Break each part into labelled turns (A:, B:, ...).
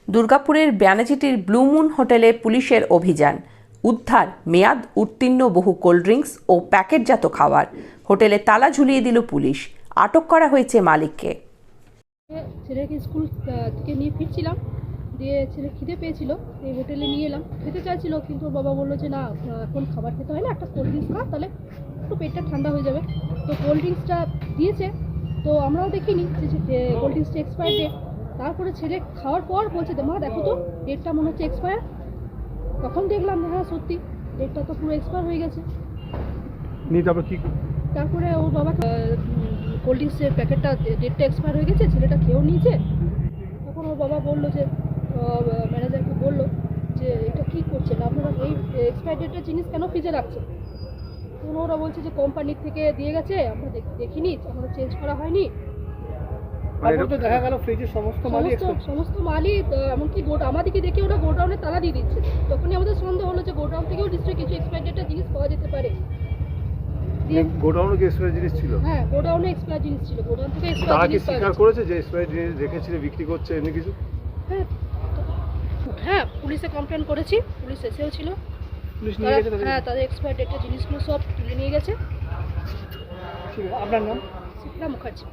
A: দুর্গাপুরের ব্যানাচিটির blue moon হোটেলে পুলিশের অভিযান। উদ্ধার মেয়াদ উত্তীর্ণ বহু কোল্ড ড্রিঙ্কস ও প্যাকেটজাত খাবার। হোটেলে তালা ঝুলিয়ে দিল পুলিশ। আটক করা হয়েছে মালিককে।
B: ছেলেকে স্কুল থেকে নিয়ে ফিরছিলাম, দিয়ে ছেলে খিদে পেয়েছিল, এই হোটেলে নিয়ে এলাম। খেতে চাইছিল, কিন্তু ওর বাবা বললো যে না, এখন খাবার খেতে হয় না, একটা কোল্ড ড্রিঙ্কস খা, তাহলে একটু পেটটা ঠান্ডা হয়ে যাবে। তো কোল্ড ড্রিঙ্কসটা দিয়েছে, তো আমরাও দেখিনি যে কোল্ড ড্রিঙ্কসটা এক্সপায়ার ডেট। তারপরে ছেলে খাওয়ার পর বলছে মা দেখো তো ডেটটা মনে হচ্ছে এক্সপায়ার। তখন দেখলাম হ্যাঁ সত্যি ডেটটা তো পুরো এক্সপায়ার হয়ে গেছে। তারপরে ওর বাবা কোল্ড ড্রিঙ্কসের প্যাকেটটা ডেটটা এক্সপায়ার হয়ে গেছে, ছেলেটা খেয়েও নিয়েছে। তখন ওর বাবা বললো যে ম্যানেজারকে বললো যে এটা কী করছেন আপনারা, এই এক্সপায়ার ডেটের জিনিস কেন ফ্রিজে রাখছেন? তখন ওরা বলছে যে কোম্পানির থেকে দিয়ে গেছে, আমরা দেখিনি, আমরা চেঞ্জ করা হয়নি।
C: দেখা গেল ফ্রিজের সমস্ত
B: মালই এমনকি আমাদেরকে দেখে ওরা গোডাউনে তালা দিয়ে দিচ্ছে। তখনই আমাদের সন্দেহ হলো যে গোডাউন থেকেও নিশ্চয়ই কিছু এক্সপায়ার ডেটের জিনিস পাওয়া যেতে পারে।
C: গোডাউনে কি এক্সপায়ার জিনিস ছিল?
B: হ্যাঁ, গোডাউনে এক্সপায়ার জিনিস ছিল, গোডাউন থেকে এক্সপায়ার
C: তারা কি
B: জিনিস
C: স্বীকার করেছে যে এক্সপায়ার জিনিস রেখেছিল, বিক্রি করছে এমনি কিছু?
B: হ্যাঁ, পুলিশে কমপ্লেন করেছি, পুলিশ এসেও ছিল।
C: পুলিশ নিয়ে গেছে?
B: হ্যাঁ, তাদের এক্সপায়ার ডেটের জিনিসগুলো সব তুলে নিয়ে গেছে।
C: আপনার নাম?
B: শিপ্রা মুখার্জি।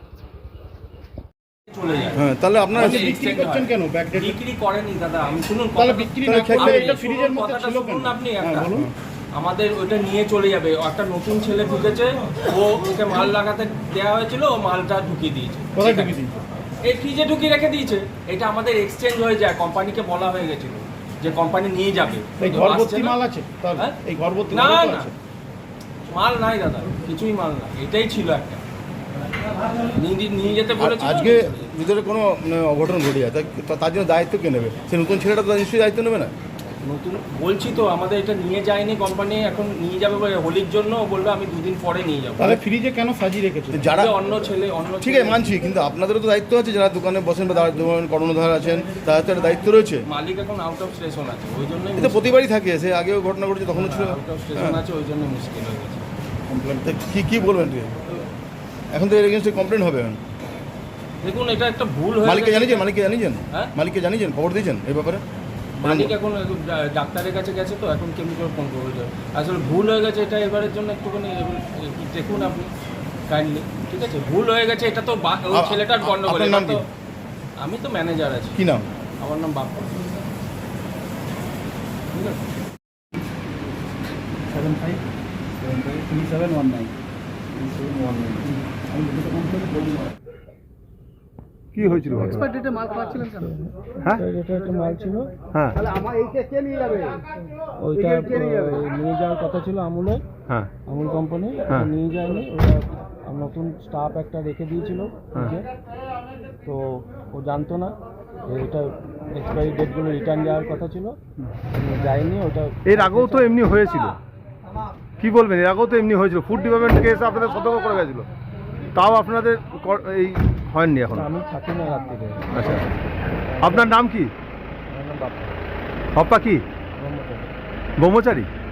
D: হ্যাঁ, তাহলে আপনারা
C: বিক্রি করছেন কেন? ব্যাকডেট
E: বিক্রি করেনি দাদা, আমি শুনুন
C: তাহলে বিক্রি না করলে এটা ফ্রিজের মধ্যে
E: কথাটা
C: ছিল কেন?
E: শুনুন আপনি
C: হ্যাঁ,
E: একটা।
C: বলুন।
E: আমাদের ওইটা নিয়ে চলে যাবে, একটা নতুন ছেলে ঢুকেছে, ওকে মাল লাগাতে দেওয়া হয়েছিল, ও মালটা ঢুকিয়ে দিয়েছে।
C: কোথায় ঢুকিয়ে দিয়েছে?
E: এই ফ্রিজে ঢুকিয়ে রেখে দিয়েছে। এটা আমাদের এক্সচেঞ্জ হয়ে যায়, কোম্পানিকে বলা হয়ে গেছিল যে কোম্পানি নিয়ে যাবে।
C: এই
E: তো
C: ঘরভর্তি
E: আসছে না।
C: মাল আছে তার?
E: হ্যাঁ?
C: এই ঘরভর্তি
E: না
C: মাল
E: না,
C: আছে?
E: মাল নাই দাদা, কিছুই মাল নাই, এটাই ছিল একটা। নিয়ে যেতে বলেছিল।
D: আজকে ভিতরে কোনো অঘটন ঘটে যায় তার জন্য দায়িত্ব কে নেবে? সে নতুন ছেলেটা তো নিশ্চয়ই দায়িত্ব নেবে না?
E: নতুন বলছি তো, আমাদের এটা নিয়ে যায়নি কোম্পানি, এখন নিয়ে যাবে বলে হোলির জন্য বললো আমি দুদিন পরে নিয়ে যাবো।
C: তাহলে ফ্রিজে কেন সাজিয়ে রেখেছে?
D: যারা
E: অন্য ছেলে
D: ঠিক আছে মানছি, কিন্তু আপনাদেরও তো দায়িত্ব আছে, যারা দোকানে বসেন বা কর্ণধার আছেন, তাদের তো একটা দায়িত্ব রয়েছে।
E: মালিক এখন আউট অফ স্টেশন আছে, ওই জন্যই
D: এটা প্রতিবারই থাকে, সে আগেও ঘটনা ঘটেছে, তখনও ছিল।
E: আউট অফ স্টেশন আছে, ওই জন্য মুশকিল হয়ে গেছে।
D: তা কি বলবেন? এখন তো এর এগেনস্টে কমপ্লেন হবে।
E: দেখুন, এটা একটা ভুল হয়ে
D: মালিককে
E: গেছে।
D: জানিয়েছেন?
E: হ্যাঁ?
D: মালিককে জানিয়েছেন, খবর দিয়েছেন এই ব্যাপারে?
E: মালিক এখন ডাক্তারের কাছে গেছে, তো এখন কেমনি করে ফোন করবো? আসলে ভুল হয়ে গেছে, এটা এবারের জন্য একটুখানি দেখুন আপনি কাইন্ডলি, ঠিক আছে? ভুল হয়ে গেছে, এটা তো ওই ছেলেটার গন্ডগোল।
D: আপনার নাম কি?
E: আমি তো ম্যানেজার আছি।
D: কি নাম?
E: আমার নাম বাপ্পা। ঠিক আছে।
C: 753719 কি হয়েছিল?
B: এক্সপায়ার ডেটে মাল খাওয়াচ্ছিলেন কেন?
C: হ্যাঁ,
F: এটা একটা মাল ছিল,
C: হ্যাঁ,
F: ওইটা নিয়ে যাওয়ার কথা ছিল আমুলের,
C: হ্যাঁ,
F: আমুল কোম্পানি,
C: হ্যাঁ।
F: নিয়ে যায়নি। ওরা নতুন স্টাফ একটা রেখে দিয়েছিল ফ্রিজে, তো ও জানতো না যে এটা এক্সপায়ারি ডেটগুলো রিটার্ন যাওয়ার কথা ছিল, যায়নি। ওটা
C: এর আগেও তো এমনি হয়েছিল। কি বলবেন? এর আগেও তো এমনি হয়েছিল, ফুড ডিপার্টমেন্ট থেকে এসে আপনাদের সতর্ক করে গেছিল, তাও আপনাদের এই হয়নি এখন?
F: আমি থাকি না রাত থেকে।
C: আচ্ছা, আপনার নাম কি?
F: আমার নাম বাপ্পা।
C: হপ্পা কি?
F: ব্রহ্মচারী।
C: ব্রহ্মচারী?